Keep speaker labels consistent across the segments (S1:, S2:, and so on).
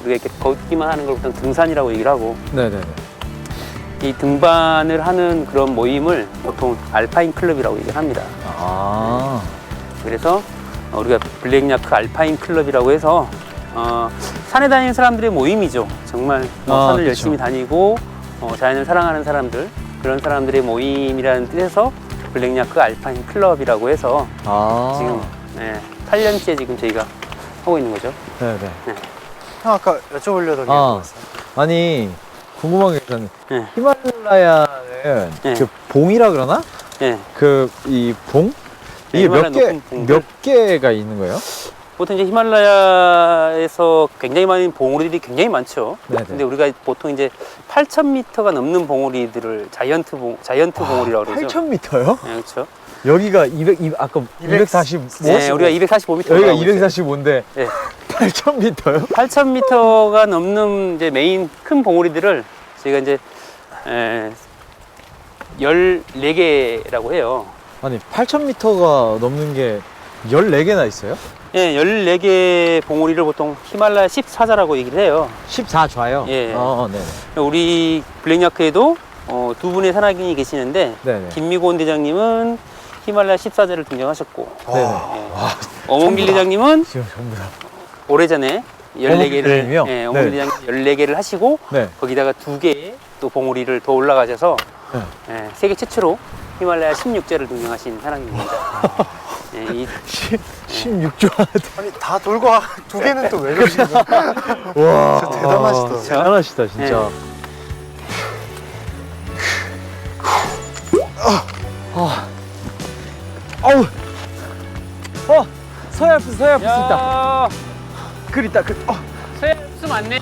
S1: 우리가 이렇게 걷기만 하는 걸 보통 등산이라고 얘기를 하고,
S2: 네네네.
S1: 이 등반을 하는 그런 모임을 보통 알파인 클럽이라고 얘기를 합니다.
S2: 아.
S1: 그래서 우리가 블랙야크 알파인 클럽이라고 해서 산에 다니는 사람들의 모임이죠. 정말 산을
S2: 그쵸.
S1: 열심히 다니고 자연을 사랑하는 사람들, 그런 사람들의 모임이라는 뜻에서 블랙야크 알파인 클럽이라고 해서 지금 8년째 지금 저희가 하고 있는 거죠.
S2: 네네.
S3: 형 아까 여쭤보려던 게
S2: 아.
S3: 뭐였어요?
S2: 아니, 궁금한 게 있었는데,
S1: 네.
S2: 히말라야는
S1: 네.
S2: 그 봉이라 그러나?
S1: 네.
S2: 이 봉?
S1: 네,
S2: 이게
S1: 히말라야 높은 봉들.
S2: 몇 개가 있는 거예요?
S1: 보통 이제 히말라야에서 굉장히 많은 봉우리들이 굉장히 많죠.
S2: 네네.
S1: 근데 우리가 보통 이제 8,000m가 넘는 봉우리들을 자이언트 봉우리라고 그러죠.
S2: 8,000m요?
S1: 네, 그렇죠.
S2: 여기가 아까 245?
S1: 네, 우리가 245m.
S2: 여기가 245인데
S1: 네.
S2: 8,000m요?
S1: 8,000m가 넘는 이제 메인 큰 봉우리들을 저희가 이제 14개라고 해요.
S2: 아니, 8,000m가 넘는 게 14개나 있어요?
S1: 예, 14개 봉우리를 보통 히말라야 14자라고 얘기를 해요.
S2: 14좌요?
S1: 예.
S2: 네네.
S1: 우리 블랙야크에도 두 분의 산악인이 계시는데,
S2: 네네.
S1: 김미곤 대장님은 히말라야 14자를 등장하셨고,
S2: 네네.
S1: 예. 어몽길 대장님은
S2: 지금 전부 다.
S1: 오래전에 14개를,
S2: 대장님이요?
S1: 예, 어몽길
S2: 네.
S1: 대장님 14개를 하시고,
S2: 네.
S1: 거기다가 2개의 또 봉우리를 더 올라가셔서,
S2: 네.
S1: 예, 세계 최초로 히말라야 16자를 등장하신 사람입니다. 예,
S2: 16좌.
S3: 아니 다 돌고 두 개는 또 왜 그러시는 거예요?
S2: 와.
S3: 진짜 대단하시다.
S2: 대단하시다, 진짜. 아우. 서야 할수 있다.
S1: 야,
S2: 글 있다, 글.
S1: 세스 맞네.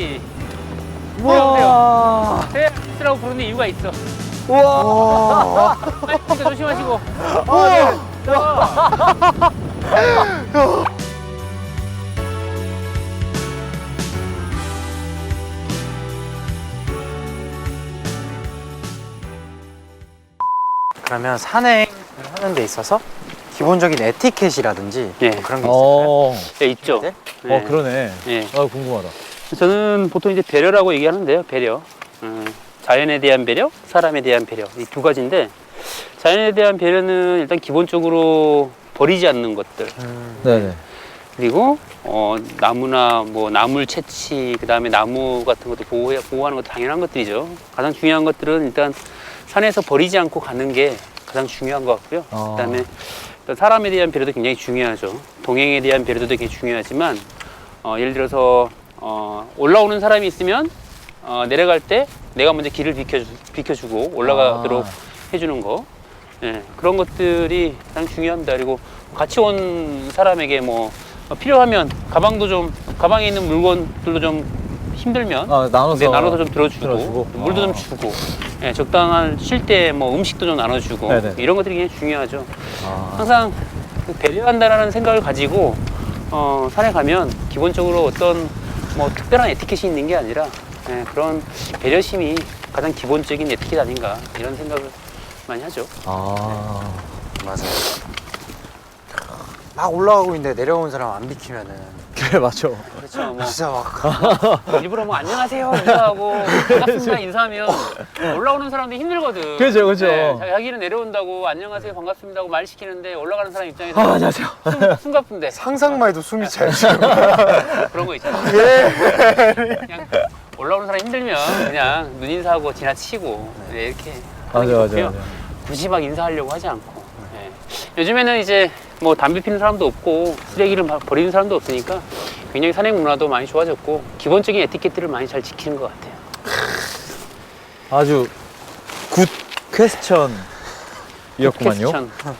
S2: 우와.
S1: 세스라고 부르는 이유가 있어.
S2: 우와.
S1: 빨리 조심하시고.
S3: 그러면 산행을 하는 데 있어서 기본적인 에티켓이라든지
S1: 예.
S3: 뭐 그런 게 있을까요?
S1: 네, 있죠.
S3: 네?
S1: 네.
S2: 그러네.
S1: 예.
S2: 궁금하다.
S1: 저는 보통 이제 배려라고 얘기하는데요. 배려. 자연에 대한 배려, 사람에 대한 배려. 이 두 가지인데, 자연에 대한 배려는 일단 기본적으로 버리지 않는 것들.
S2: 네네.
S1: 그리고 나무나 뭐 나물 채취, 그다음에 나무 같은 것도 보호하는 것도 당연한 것들이죠. 가장 중요한 것들은 일단 산에서 버리지 않고 가는 게 가장 중요한 것 같고요. 그다음에 일단 사람에 대한 배려도 굉장히 중요하죠. 동행에 대한 배려도 되게 중요하지만 예를 들어서 올라오는 사람이 있으면 내려갈 때 내가 먼저 길을 비켜주고 올라가도록 해주는 거. 예, 그런 것들이 가장 중요합니다. 그리고 같이 온 사람에게 뭐 필요하면 가방에 있는 물건들도 좀 힘들면 나눠서 좀 들어주고 물도 좀 주고, 예, 적당한 쉴 때 뭐 음식도 좀 나눠주고.
S2: 네네.
S1: 이런 것들이 굉장히 중요하죠. 항상 배려한다라는 생각을 가지고 산에 가면 기본적으로 어떤 뭐 특별한 에티켓이 있는 게 아니라, 예, 그런 배려심이 가장 기본적인 에티켓 아닌가, 이런 생각을 많이 하죠.
S3: 맞아요. 막 올라가고 있는데 내려온 사람 안 비키면은
S2: 그래, 맞죠.
S1: 그렇죠. 뭐
S3: 진짜 막
S1: 일부러 뭐 안녕하세요 인사하고 반갑습니다 인사하면 올라오는 사람들이 힘들거든.
S2: 그죠.
S1: 자기는 내려온다고 안녕하세요 반갑습니다 하고 말 시키는데 올라가는 사람 입장에서
S2: 안녕하세요.
S1: 숨가쁜데
S3: 상상만 해도 숨이 차요 지금.
S1: 그런 거 있잖아.
S3: 예.
S1: 그냥 올라오는 사람 힘들면 그냥 눈 인사하고 지나치고, 네, 이렇게 하는 게
S2: 맞아.
S1: 좋고요. 굳이 막 인사하려고 하지 않고. 예. 요즘에는 이제 뭐 담배 피는 사람도 없고 쓰레기를 버리는 사람도 없으니까 굉장히 산행 문화도 많이 좋아졌고 기본적인 에티켓들을 많이 잘 지키는 것 같아요.
S2: 아주 굿 퀘스천이었구만요.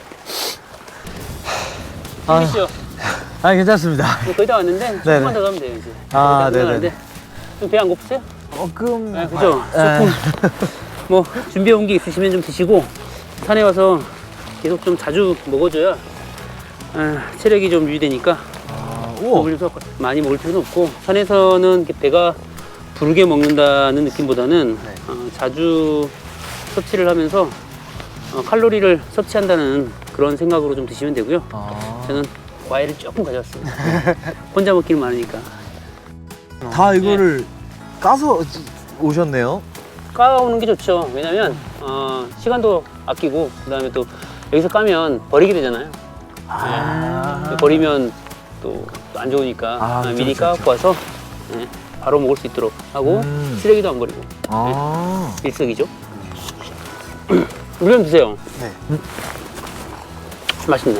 S1: 재밌죠?
S2: 괜찮습니다.
S1: 거의 다 왔는데 조금만 더 가면 돼요 이제. 네네. 좀 배 안 고프세요? 네, 그죠? 조금 뭐 준비해 온 게 있으시면 좀 드시고 산에 와서 계속 좀 자주 먹어줘야 체력이 좀 유지되니까 많이 먹을 필요는 없고, 산에서는 이렇게 배가 부르게 먹는다는 느낌보다는 자주 섭취를 하면서 칼로리를 섭취한다는 그런 생각으로 좀 드시면 되고요. 저는 과일을 조금 가져왔습니다. 혼자 먹기는 많으니까.
S2: 다 이거를 까서 오셨네요.
S1: 까오는 게 좋죠. 왜냐면 시간도 아끼고 그다음에 또 여기서 까면 버리게 되잖아요. 네. 버리면 또 안 좋으니까
S2: 그쵸,
S1: 미리
S2: 그쵸,
S1: 까갖고 와서 네, 바로 먹을 수 있도록 하고 쓰레기도 안 버리고 일석이조. 물 좀 드세요.
S3: 네.
S1: 맛있네요.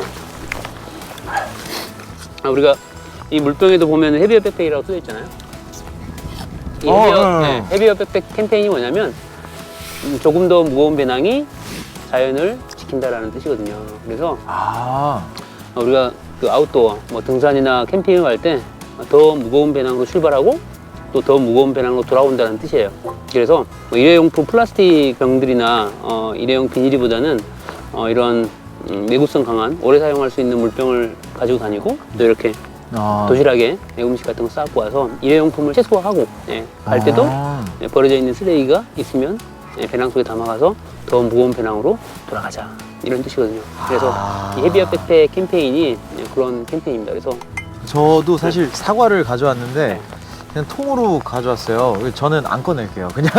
S1: 우리가 이 물병에도 보면 헤비어 백팩이라고 써져 있잖아요. 이 헤비어 백팩 캠페인이 뭐냐면 조금 더 무거운 배낭이 자연을 지킨다라는 뜻이거든요. 그래서 우리가 그 아웃도어, 뭐 등산이나 캠핑을 갈 때 더 무거운 배낭으로 출발하고 또 더 무거운 배낭으로 돌아온다는 뜻이에요. 그래서 뭐 일회용품 플라스틱 병들이나 일회용 비닐보다는 이런 내구성 강한 오래 사용할 수 있는 물병을 가지고 다니고 또 이렇게 도시락에 음식 같은 거 싸고 와서 일회용품을 최소화하고 갈 때도 버려져 있는 쓰레기가 있으면 배낭 속에 담아가서 더 무거운 배낭으로 돌아가자 이런 뜻이거든요. 그래서 이 헤비어 백팩 캠페인이 그런 캠페인입니다. 그래서
S2: 저도 사실 사과를 가져왔는데 그냥 통으로 가져왔어요. 저는 안 꺼낼게요. 그냥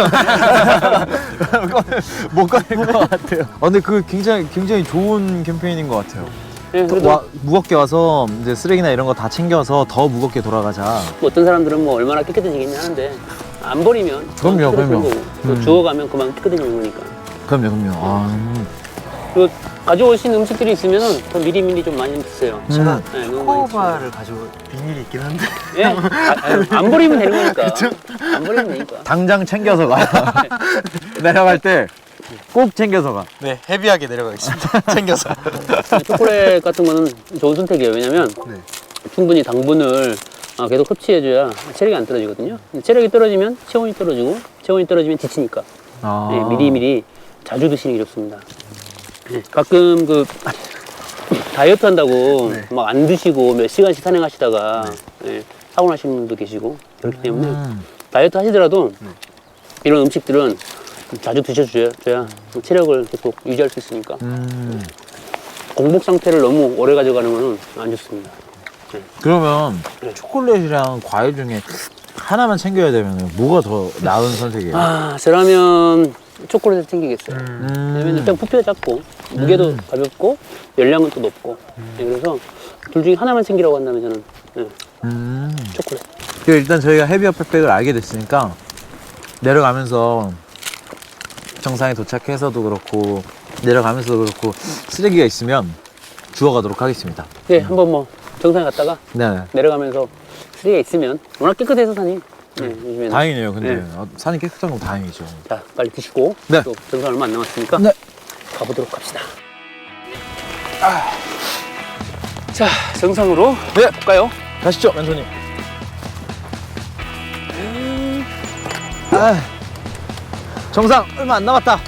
S2: 못 꺼낼 것 같아요. 근데 그 굉장히 좋은 캠페인인 것 같아요.
S1: 네, 그래도
S2: 무겁게 와서 이제 쓰레기나 이런 거 다 챙겨서 더 무겁게 돌아가자.
S1: 뭐 어떤 사람들은 뭐 얼마나 깨끗해지겠냐 하는데 안 버리면
S2: 그럼요.
S1: 또 주워가면 그만 깨끗해지는 거니까.
S2: 그럼요.
S1: 그리고 가져오신 음식들이 있으면 더 미리미리 좀 많이 드세요.
S3: 제가
S1: 네, 너무 많이
S3: 초코바를 가지고 비닐이 있긴 한데.
S1: 예? 안 버리면 되는 거니까. 안 버리면 되니까.
S2: 당장 챙겨서 가. 내려갈 때 꼭 챙겨서 가.
S3: 네, 헤비하게 내려가겠습니다. 챙겨서.
S1: 초콜릿 같은 거는 좋은 선택이에요. 왜냐면
S3: 네.
S1: 충분히 당분을 계속 섭취해줘야 체력이 안 떨어지거든요. 체력이 떨어지면 체온이 떨어지고 체온이 떨어지면 지치니까 네, 미리미리 자주 드시는 게 좋습니다. 네, 가끔 그 다이어트 한다고
S3: 네.
S1: 막 안 드시고 몇 시간씩 산행하시다가 사고 나시는 분도 계시고 그렇기 때문에 다이어트 하시더라도 이런 음식들은 자주 드셔줘야 체력을 계속 유지할 수 있으니까 공복 상태를 너무 오래 가져가는 거는 안 좋습니다.
S2: 그러면 초콜릿이랑 과일 중에 하나만 챙겨야 되면 뭐가 더 나은 선택이에요?
S1: 저라면 초콜릿을 챙기겠어요. 왜냐면 일단 부피가 작고 무게도 가볍고 열량은 또 높고 그래서 둘 중에 하나만 챙기라고 한다면 저는 초콜릿.
S2: 일단 저희가 헤비어 백팩을 알게 됐으니까 내려가면서 정상에 도착해서도 그렇고 내려가면서도 그렇고 쓰레기가 있으면 주워가도록 하겠습니다.
S1: 네, 한번 뭐 정상에 갔다가
S2: 네.
S1: 내려가면서 쓰레기가 있으면 워낙 깨끗해서 산이 요즘에는.
S2: 다행이네요. 근데
S1: 네.
S2: 산이 깨끗한 건 다행이죠.
S1: 자, 빨리 드시고
S2: 네.
S1: 또 정상 얼마 안 남았으니까
S2: 네.
S1: 가보도록 합시다. 자, 정상으로 갈까요?
S2: 가시죠, 왼손님. 정상 얼마 안 남았다.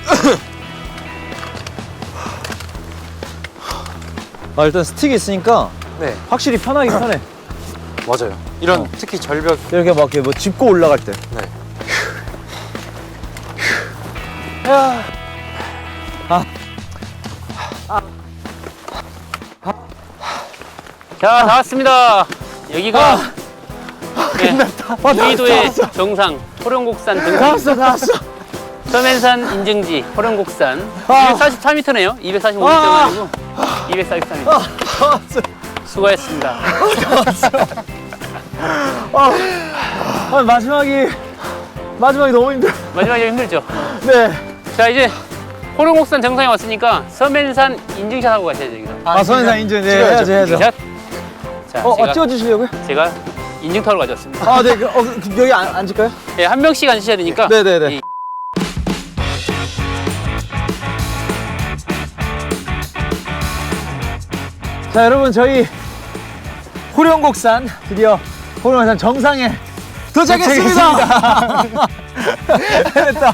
S2: 일단 스틱이 있으니까
S3: 네,
S2: 확실히 편하긴 편해.
S3: 맞아요. 이런 특히 절벽.
S2: 이렇게 막 이렇게 뭐 짚고 올라갈 때.
S3: 네.
S1: 자, 다 왔습니다. 여기가 우이도의 정상 호령곡산 등산
S2: 나왔어.
S1: 서면산 인증지 호령곡산 244m네요. 245m 아니고 244m. 수고했습니다.
S2: 마지막이 너무 힘들어.
S1: 마지막에 힘들죠.
S2: 네.
S1: 자, 이제 호령곡산 정상에 왔으니까 서면산 인증샷 하고 가셔야죠. 여기서.
S2: 서면산 인증. 네, 해야죠.
S1: 인증샷. 자,
S2: 찍어주시려고요?
S1: 제가 인증타올 가져왔습니다.
S2: 네. 여기 앉을까요?
S1: 예, 한 명씩 앉으셔야 되니까.
S2: 네네네.
S1: 이-
S2: 자, 여러분, 저희 호령곡산 드디어 호령곡산 정상에 도착했습니다. 해냈다.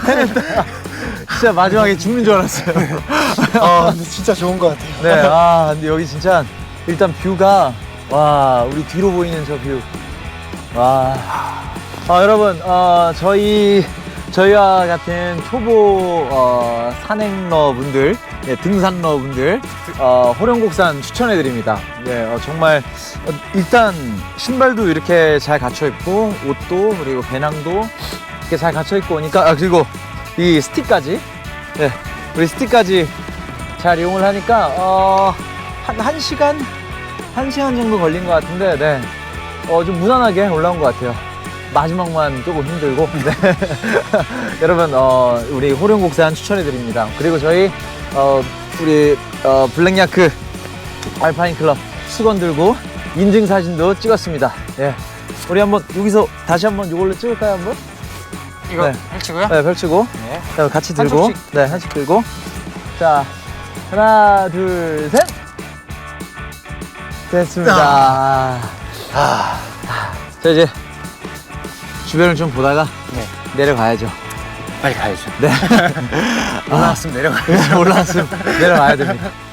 S2: 진짜 마지막에 죽는 줄 알았어요.
S3: 근데 진짜 좋은 것 같아요.
S2: 네, 근데 여기 진짜 일단 뷰가 와, 우리 뒤로 보이는 저 뷰. 와. 여러분, 저희 저희와 같은 초보 산행러 분들, 예, 등산러 분들, 호령곡산 추천해 드립니다. 예, 정말 일단 신발도 이렇게 잘 갖춰 입고 옷도 그리고 배낭도 이렇게 잘 갖춰 입고 오니까 그리고 이 스틱까지, 예, 우리 스틱까지 잘 이용을 하니까 한 시간 정도 걸린 것 같은데, 네, 좀 무난하게 올라온 것 같아요. 마지막만 조금 힘들고. 네. 여러분, 우리 호령곡산 추천해 드립니다. 그리고 저희 우리 블랙야크 알파인 클럽 수건 들고 인증 사진도 찍었습니다. 예, 우리 한번 여기서 다시 한번 이걸로 찍을까요, 한번?
S3: 이거
S2: 네.
S3: 펼치고요?
S2: 네, 펼치고.
S3: 네.
S2: 자, 같이 들고.
S3: 한쪽씩.
S2: 네, 한씩 들고. 자, 하나, 둘, 셋. 됐습니다. 자, 이제 주변을 좀 보다가
S3: 네.
S2: 내려가야죠.
S3: 빨리 가야죠.
S2: 네.
S3: 올라왔으면 내려가야죠.
S2: 올라왔으면 내려가야 됩니다.